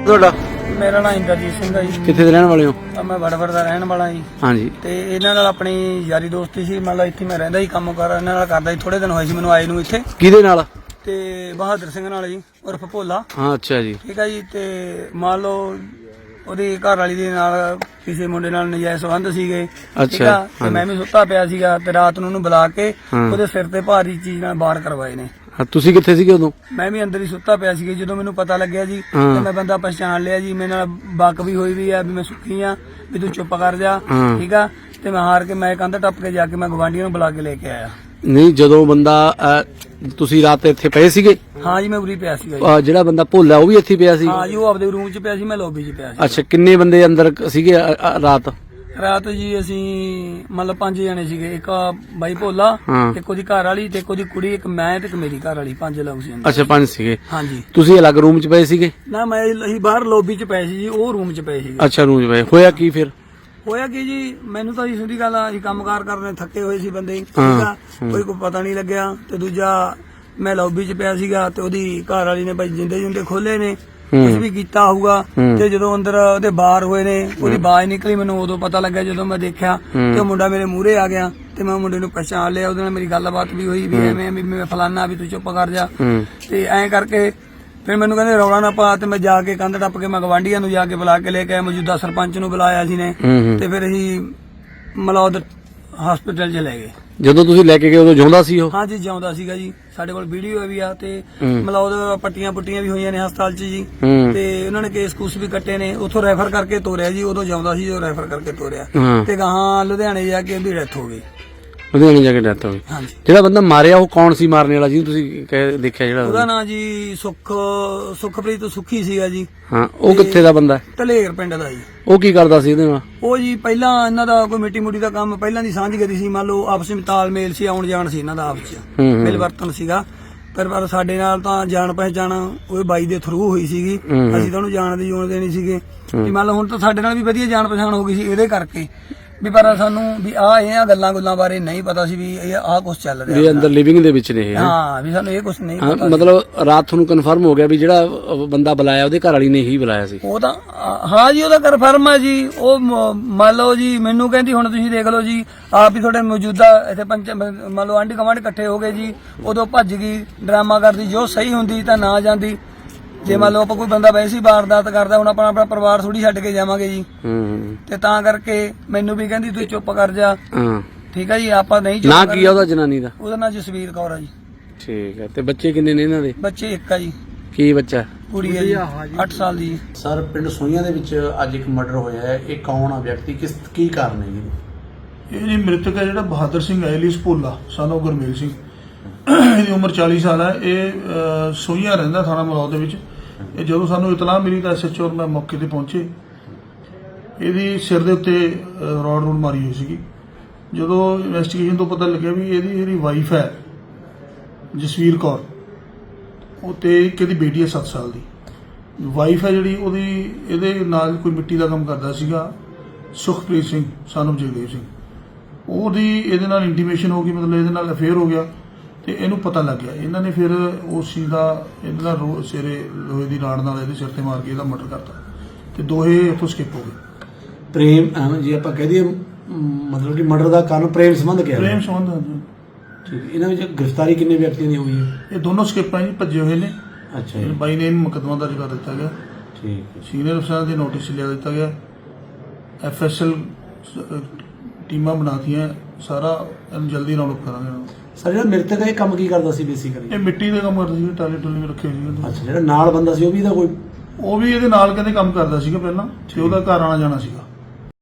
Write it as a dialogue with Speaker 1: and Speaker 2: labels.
Speaker 1: ਤੁਹਾਡਾ?
Speaker 2: ਮੇਰਾ ਨਾਮ ਇੰਦਰਜੀਤ ਸਿੰਘ ਹੈ ਜੀ।
Speaker 1: ਕਿੱਥੇ ਦੇ ਰਹਿਣ ਵਾਲੇ ਹੋ?
Speaker 2: ਮੈਂ ਵੜਵੜ ਦਾ ਰਹਿਣ ਵਾਲਾ ਜੀ।
Speaker 1: ਹਾਂਜੀ।
Speaker 2: ਤੇ ਇਹਨਾਂ ਨਾਲ ਆਪਣੀ ਯਾਰੀ ਦੋਸਤੀ ਸੀ। ਮਤਲਬ ਇੱਥੇ ਮੈਂ ਰਹਿੰਦਾ ਸੀ, ਕੰਮ ਕਾਰ ਇਹਨਾਂ ਨਾਲ ਕਰਦਾ ਸੀ। ਥੋੜੇ ਦਿਨ ਹੋਏ ਸੀ ਮੈਨੂੰ ਆਏ ਨੂੰ ਇੱਥੇ।
Speaker 1: ਕਿਹਦੇ ਨਾਲ?
Speaker 2: ਤੇ ਬਹਾਦਰ ਸਿੰਘ ਨਾਲ ਜੀ, ਉਰਫ ਭੋਲਾ।
Speaker 1: ਹਾਂ, ਅੱਛਾ ਜੀ।
Speaker 2: ਠੀਕ ਹੈ ਜੀ। ਤੇ ਮੰਨ ਲਓ ਉਹਦੀ ਘਰ ਵਾਲੀ ਦੇ ਨਾਲ ਕਿਸੇ ਮੁੰਡੇ ਨਾਲ ਨਜਾਇਜ਼ ਸੰਬੰਧ ਸੀਗੇ।
Speaker 1: ਅੱਛਾ।
Speaker 2: ਤੇ ਮੈਂ ਵੀ ਸੁੱਤਾ ਪਿਆ ਸੀਗਾ ਤੇ ਰਾਤ ਨੂੰ ਉਹਨੂੰ ਬੁਲਾ ਕੇ ਉਹਦੇ ਸਿਰ ਤੇ ਭਾਰੀ ਚੀਜ਼ ਨਾਲ ਬਾਹਰ ਕਰਵਾਏ ਨੇ।
Speaker 1: ਤੁਸੀਂ ਕਿੱਥੇ ਸੀਗੇ ਉਦੋਂ? ਮੈਂ
Speaker 2: ਵੀ ਅੰਦਰ ਹੀ ਸੁੱਤਾ ਪਿਆ ਸੀ। ਜਦੋਂ ਮੈਨੂੰ ਪਤਾ ਲੱਗਿਆ ਜੀ ਤੇ ਮੈਂ ਬੰਦਾ ਪਛਾਣ ਲਿਆ ਜੀ। ਮੇਰੇ ਨਾਲ ਬਕ ਵੀ ਹੋਈ ਵੀ ਆ ਵੀ ਮੈਂ ਸੁੱਕੀ ਆ, ਵੀ ਤੂੰ ਚੁੱਪ ਕਰ ਜਾ। ਠੀਕ ਆ। ਤੇ ਮੈਂ ਹਾਰ ਕੇ ਮੈਂ ਕੰਧ ਟੱਪ ਕੇ ਜਾ ਕੇ ਮੈਂ ਗਵਾਂਢੀਆਂ ਨੂੰ ਬੁਲਾ ਕੇ ਲੈ ਕੇ ਆਇਆ।
Speaker 1: ਨਹੀਂ, ਜਦੋਂ ਬੰਦਾ ਤੁਸੀਂ ਰਾਤ ਇੱਥੇ ਪਏ ਸੀਗੇ?
Speaker 2: ਹਾਂ ਜੀ, ਮੈਂ ਉਰੀ ਪਿਆ ਸੀਗਾ।
Speaker 1: ਜਿਹੜਾ ਬੰਦਾ ਭੋਲਾ ਉਹ ਵੀ ਇੱਥੇ ਪਿਆ ਸੀ?
Speaker 2: ਹਾਂ ਜੀ, ਉਹ ਆਪਦੇ ਰੂਮ 'ਚ ਪਿਆ ਸੀ, ਮੈਂ ਲੌਬੀ 'ਚ ਪਿਆ ਸੀ।
Speaker 1: ਅੱਛਾ, ਕਿੰਨੇ ਬੰਦੇ ਅੰਦਰ ਸੀਗੇ ਰਾਤ?
Speaker 2: ਰਾਤ ਜੀ ਅਸੀਂ ਮਤਲਬ 5 ਜਣੇ ਸੀਗੇ। ਇੱਕ ਬਾਈ ਭੋਲਾ, ਇੱਕ ਉਹਦੀ ਘਰ ਵਾਲੀ, ਤੇ ਇੱਕ ਉਹਦੀ ਕੁੜੀ, ਇੱਕ ਮੈਂ ਤੇ ਇੱਕ ਮੇਰੀ ਘਰ ਵਾਲੀ। 5 ਲੋਕ ਸੀ।
Speaker 1: ਅੱਛਾ, 5 ਸੀਗੇ।
Speaker 2: ਹਾਂਜੀ।
Speaker 1: ਤੁਸੀਂ ਅਲੱਗ ਰੂਮ 'ਚ ਪਏ ਸੀਗੇ?
Speaker 2: ਨਾ, ਅਸੀਂ ਬਾਹਰ ਲੌਬੀ 'ਚ ਪਏ ਸੀ ਜੀ, ਉਹ ਰੂਮ 'ਚ ਪਏ ਸੀ।
Speaker 1: ਅੱਛਾ, ਰੂਮ 'ਚ ਪਏ। ਹੋਇਆ ਕੀ ਫਿਰ?
Speaker 2: ਹੋਇਆ ਕੀ ਜੀ, ਮੈਨੂੰ ਤਾਂ ਜੀ ਸਿੱਧੀ ਗੱਲ ਆ, ਅਸੀਂ ਕੰਮਕਾਰ ਕਰਨੇ ਥੱਕੇ ਹੋਏ ਸੀ ਬੰਦੇ। ਠੀਕ ਆ। ਕੋਈ ਪਤਾ ਨਹੀਂ ਲੱਗਿਆ। ਤੇ ਦੂਜਾ ਮੈਂ ਲੌਬੀ 'ਚ ਪਿਆ ਸੀਗਾ ਤੇ ਉਹਦੀ ਘਰ ਵਾਲੀ ਨੇ ਭਾਈ ਜਿੰਦੇ ਖੋਲੇ ਨੇ, ਕੁਝ ਵੀ ਕੀਤਾ ਹੋਊਗਾ। ਤੇ ਜਦੋਂ ਅੰਦਰ ਉਹਦੇ ਬਾਹਰ ਹੋਏ ਨੇ, ਉਹਦੀ ਆਵਾਜ਼ ਨਿਕਲੀ, ਮੈਨੂੰ ਉਦੋਂ ਪਤਾ ਲੱਗਿਆ ਜਦੋਂ ਮੈਂ ਦੇਖਿਆ ਤੇ ਉਹ ਮੁੰਡਾ ਮੇਰੇ ਮੂਹਰੇ ਆ ਗਿਆ। ਤੇ ਮੈਂ ਮੁੰਡੇ ਨੂੰ ਪਛਾਣ ਲਿਆ। ਉਹਦੇ ਨਾਲ ਮੇਰੀ ਗੱਲਬਾਤ ਵੀ ਹੋਈ ਵੀ ਐਵੇਂ ਵੀ ਮੈਂ ਫਲਾਨਾ, ਵੀ ਤੂੰ ਚੁੱਪ ਕਰ ਜਾ। ਤੇ ਐਂ ਕਰਕੇ ਫਿਰ ਮੈਨੂੰ ਕਹਿੰਦੇ ਰੌਲਾ ਨਾ ਪਾ। ਤੇ ਮੈਂ ਜਾ ਕੇ ਕੰਧ ਟੱਪ ਕੇ ਮੈਂ ਗਵਾਂਢੀਆਂ ਨੂੰ ਜਾ ਕੇ ਬੁਲਾ ਕੇ ਲੈ ਕੇ ਆਇਆ। ਮੌਜੂਦਾ ਸਰਪੰਚ ਨੂੰ ਬੁਲਾਇਆ ਸੀ ਨੇ। ਤੇ ਫਿਰ ਅਸੀਂ ਮਲੌਦ ਹਸਪੀਟਲ 'ਚ ਲੈ ਗਏ।
Speaker 1: ਜਦੋਂ ਤੁਸੀਂ ਲੈ ਕੇ ਗਏ ਉਦੋਂ ਜਿਉਂਦਾ ਸੀ ਉਹ?
Speaker 2: ਹਾਂ ਜੀ, ਜਿਉਂਦਾ ਸੀਗਾ ਜੀ। ਸਾਡੇ ਕੋਲ ਵੀਡੀਓ ਵੀ ਆ ਤੇ ਮਲੌਦ ਪੱਟੀਆਂ ਪੁੱਟੀਆਂ ਵੀ ਹੋਈਆਂ ਨੇ ਹਸਪਤਾਲ 'ਚ ਜੀ। ਤੇ ਉਹਨਾਂ ਨੇ ਕੇਸ ਕੂਸ ਵੀ ਕੱਟੇ ਨੇ। ਉੱਥੋਂ ਰੈਫਰ ਕਰਕੇ ਤੋਰਿਆ ਜੀ। ਉਦੋਂ ਜਿਉਂਦਾ ਸੀ, ਉਹ ਰੈਫਰ ਕਰਕੇ ਤੋਰਿਆ। ਤੇ ਗਾਹਾਂ ਲੁਧਿਆਣੇ ਜਾ ਕੇ ਉਹਦੀ ਡੈਥ ਹੋ ਗਈ।
Speaker 1: ਲੁਧਿਆਣੇ ਜਾ ਕੇ ਡੈਥ ਹੋ ਗਈ।
Speaker 2: ਹਾਂਜੀ।
Speaker 1: ਜਿਹੜਾ ਬੰਦਾ ਮਾਰਿਆ ਉਹ ਕੌਣ ਸੀ ਮਾਰਨੇ ਵਾਲਾ, ਜਿਹਨੂੰ ਤੁਸੀਂ ਦੇਖਿਆ? ਜਿਹੜਾ
Speaker 2: ਉਹਦਾ ਨਾਂ ਜੀ ਸੁਖਪ੍ਰੀਤ ਸੁਖੀ ਸੀਗਾ ਜੀ।
Speaker 1: ਹਾਂ, ਉਹ ਕਿੱਥੇ ਦਾ ਬੰਦਾ?
Speaker 2: ਢਲੇਰ ਪਿੰਡ ਦਾ ਜੀ।
Speaker 1: ਉਹ ਕੀ ਕਰਦਾ ਸੀ ਇਹਦੇ ਨਾਲ?
Speaker 2: ਉਹ ਜੀ ਪਹਿਲਾਂ ਇਹਨਾਂ ਦਾ ਕੋਈ ਮਿੱਟੀ ਮੁੱਟੀ ਦਾ ਕੰਮ ਪਹਿਲਾਂ ਦੀ ਸਾਂਝ ਕਰੀ ਸੀ। ਮੰਨ ਲਓ ਆਪਸ ਵਿੱਚ ਤਾਲਮੇਲ ਸੀ, ਆਉਣ ਜਾਣ ਸੀ ਇਹਨਾਂ ਦਾ ਆਪਸ ਚ, ਮਿਲ ਵਰਤਨ ਸੀਗਾ। ਪਰ ਸਾਡੇ ਨਾਲ ਤਾਂ ਜਾਣ ਪਹਿਚਾਣ ਉਹ ਬਾਈ ਦੇ ਥਰੂ ਹੋਈ ਸੀਗੀ। ਅਸੀਂ ਤਾਂ ਉਹਨੂੰ ਜਾਣ ਦੀ ਜੋਨ ਦੇਣੀ ਸੀਗੇ ਵੀ ਮੰਨ ਲਓ ਹੁਣ ਤਾਂ ਸਾਡੇ ਨਾਲ ਵੀ ਵਧੀਆ ਜਾਣ ਪਛਾਣ ਹੋ ਗਈ ਸੀ ਇਹਦੇ ਕਰਕੇ ਵੀ। ਪਰ ਸਾਨੂੰ ਵੀ ਇਹ ਗੱਲਾਂ ਬਾਰੇ ਨਹੀਂ ਪਤਾ ਸੀ ਵੀ ਇਹ ਕੁਛ ਚੱਲ ਰਿਹਾ ਵੀ
Speaker 1: ਅੰਦਰ ਲਿਵਿੰਗ ਦੇ ਵਿੱਚ ਨੇ।
Speaker 2: ਹਾਂ, ਵੀ ਸਾਨੂੰ ਇਹ ਕੁਛ ਨਹੀਂ ਪਤਾ।
Speaker 1: ਮਤਲਬ ਰਾਤ ਤੁਹਾਨੂੰ ਕਨਫਰਮ ਹੋ ਗਿਆ ਵੀ ਜਿਹੜਾ ਬੰਦਾ ਬੁਲਾਇਆ ਉਹਦੇ ਘਰ ਵਾਲੀ ਨੇ ਹੀ ਬੁਲਾਇਆ ਸੀ? ਉਹ
Speaker 2: ਤਾਂ ਹਾਂ ਜੀ, ਉਹਦਾ ਕਨਫਰਮ ਹੈ ਜੀ। ਉਹ ਮੰਨ ਲਓ ਜੀ ਮੈਨੂੰ ਕਹਿੰਦੀ ਹੁਣ ਤੁਸੀਂ ਦੇਖ ਲਓ ਜੀ, ਆਪ ਹੀ ਤੁਹਾਡੇ ਮੌਜੂਦਾ ਇੱਥੇ ਮੰਨ ਲਓ ਆਂਢੀ ਗੁਆਂਢ ਇਕੱਠੇ ਹੋ ਗਏ ਜੀ। ਉਦੋਂ ਭੱਜ ਗਈ, ਡਰਾਮਾ ਕਰਦੀ। ਜੋ ਸਹੀ ਹੁੰਦੀ ਤਾਂ ਨਾ ਜਾਂਦੀ। ਜੇ ਮੰਨ ਲਓ ਆਪਾਂ ਕੋਈ ਬੰਦਾ ਵੈਸੇ ਹੀ ਵਾਰਦਾਤ ਕਰਦਾ, ਹੁਣ ਆਪਣਾ ਪਰਿਵਾਰ ਥੋੜੀ ਛੱਡ ਕੇ ਜਾਵਾਂਗੇ ਜੀ। ਤੇ ਤਾਂ ਕਰਕੇ ਮੈਨੂੰ ਵੀ ਕਹਿੰਦੀ ਤੂੰ ਚੁੱਪ ਕਰ ਜਾ। ਠੀਕ ਹੈ ਜੀ। ਆਪਾਂ ਨਹੀਂ ਚੁੱਪ
Speaker 1: ਨਾ ਕੀ ਉਹਦਾ ਜਨਾਨੀ ਦਾ?
Speaker 2: ਉਹਦਾ ਨਾਂ ਜਸਵੀਰ ਕੌਰ ਆ ਜੀ।
Speaker 1: ਠੀਕ ਹੈ। ਤੇ ਬੱਚੇ ਕਿੰਨੇ ਨੇ ਇਹਨਾਂ ਦੇ?
Speaker 2: ਬੱਚੇ ਇੱਕ ਆ ਜੀ।
Speaker 1: ਕੀ ਬੱਚਾ?
Speaker 2: ਕੁੜੀ ਹੈ ਜੀ, 8 ਸਾਲ ਦੀ।
Speaker 1: ਸਰ, ਪਿੰਡ ਸੋਈਆਂ ਦੇ ਵਿੱਚ ਅੱਜ ਇੱਕ ਮਰਡਰ ਹੋਇਆ ਹੈ। ਇਹ ਕੌਣ ਆ ਵਿਅਕਤੀ, ਕੀ ਕਾਰਨ ਹੈ ਜੀ?
Speaker 3: ਇਹ ਜੀ ਮ੍ਰਿਤਕ ਹੈ ਜਿਹੜਾ ਬਹਾਦਰ ਸਿੰਘ ਐਲੀਸ ਭੋਲਾ, ਸਾਨੂੰ ਗੁਰਮੇਲ ਸਿੰਘ। ਇਹਦੀ ਉਮਰ 40 ਸਾਲ ਹੈ। ਇਹ ਸੋਈਆਂ ਰਹਿੰਦਾ, ਥਾਣਾ ਮਲੌਦ ਦੇ ਵਿੱਚ। ਇਹ ਜਦੋਂ ਸਾਨੂੰ ਇਤਲਾਹ ਮਿਲੀ ਤਾਂ SHO ਮੈਂ ਮੌਕੇ ਤੇ ਪਹੁੰਚੇ। ਇਹਦੀ ਸਿਰ ਦੇ ਉੱਤੇ ਰੋਡ ਮਾਰੀ ਹੋਈ ਸੀਗੀ। ਜਦੋਂ ਇਨਵੈਸਟੀਗੇਸ਼ਨ ਤੋਂ ਪਤਾ ਲੱਗਿਆ ਵੀ ਇਹਦੀ ਜਿਹੜੀ ਵਾਈਫ ਹੈ ਜਸਵੀਰ ਕੌਰ, ਉਹ ਤੇ ਇੱਕ ਇਹਦੀ ਬੇਟੀ ਹੈ 7 ਸਾਲ ਦੀ। ਵਾਈਫ ਹੈ ਜਿਹੜੀ ਉਹਦੀ ਇਹਦੇ ਨਾਲ ਕੋਈ ਮਿੱਟੀ ਦਾ ਕੰਮ ਕਰਦਾ ਸੀਗਾ, ਸੁਖਪ੍ਰੀਤ ਸਿੰਘ ਸਾਨੂੰ ਜਗਦੇਵ ਸਿੰਘ। ਉਹਦੀ ਇਹਦੇ ਨਾਲ ਇੰਟੀਮੇਸ਼ਨ ਹੋ ਗਈ, ਮਤਲਬ ਇਹਦੇ ਨਾਲ ਅਫੇਅਰ ਹੋ ਗਿਆ। ਤੇ ਇਹਨੂੰ ਪਤਾ ਲੱਗ ਗਿਆ। ਇਹਨਾਂ ਨੇ ਫਿਰ ਉਸ ਚੀਜ਼ ਦਾ ਇਹਦੇ ਨਾਲ ਸਿਰੇ ਲੋਹੇ ਦੀ ਰਾੜ ਨਾਲ ਇਹਦੇ ਸਿਰ ਤੇ ਮਾਰ ਕੇ ਇਹਦਾ ਮਰਡਰ ਕਰਤਾ। ਤੇ ਦੋਹੇ ਇੱਥੋਂ ਸਕਿਪ ਹੋ ਗਏ।
Speaker 1: ਪ੍ਰੇਮ ਜੀ ਆਪਾਂ ਕਹਿ ਦਈਏ, ਮਤਲਬ ਕਿ ਮਰਡਰ ਦਾ ਕਾਰਨ ਪ੍ਰੇਮ ਸੰਬੰਧ ਕਿਹਾ?
Speaker 3: ਪ੍ਰੇਮ ਸੰਬੰਧ।
Speaker 1: ਠੀਕ। ਇਹਨਾਂ ਵਿੱਚ ਗ੍ਰਿਫਤਾਰੀ ਕਿੰਨੇ ਵਿਅਕਤੀਆਂ ਦੀ ਹੋਈ ਹੈ?
Speaker 3: ਇਹ ਦੋਨੋਂ ਸਕਿਪ ਜੀ, ਭੱਜੇ ਹੋਏ ਨੇ।
Speaker 1: ਅੱਛਾ ਜੀ।
Speaker 3: ਬਾਈ ਨੇ ਮੁਕੱਦਮਾ ਦਰਜ ਕਰ ਦਿੱਤਾ ਗਿਆ।
Speaker 1: ਠੀਕ।
Speaker 3: ਸੀਨੀਅਰ ਅਫਸਰਾਂ ਦੇ ਨੋਟਿਸ ਲਿਆ ਦਿੱਤਾ ਗਿਆ। FSL ਟੀਮਾਂ ਬਣਾਤੀਆਂ। ਸਾਰਾ ਇਹਨੂੰ ਜਲਦੀ ਰਾਉਂਡ ਅਪ ਕਰਾਂਗੇ।
Speaker 1: ਸਰ, ਜਿਹੜਾ ਮ੍ਰਿਤਕ ਹੈ ਇਹ ਕੰਮ ਕੀ ਕਰਦਾ ਸੀ ਬੇਸਿਕਲੀ?
Speaker 3: ਇਹ ਮਿੱਟੀ ਦਾ ਕੰਮ ਕਰਦਾ ਸੀ, ਟਾਲੇ ਟੁਲੇ ਰੱਖੇ ਸੀ।
Speaker 1: ਅੱਛਾ, ਜਿਹੜਾ ਨਾਲ ਬੰਦਾ ਸੀ ਉਹ ਵੀ ਇਹਦਾ ਕੋਈ?
Speaker 3: ਉਹ ਵੀ ਇਹਦੇ ਨਾਲ ਕਹਿੰਦੇ ਕੰਮ ਕਰਦਾ ਸੀਗਾ ਪਹਿਲਾਂ, ਤੇ ਉਹਦਾ ਘਰ ਆਣਾ ਜਾਣਾ ਸੀਗਾ।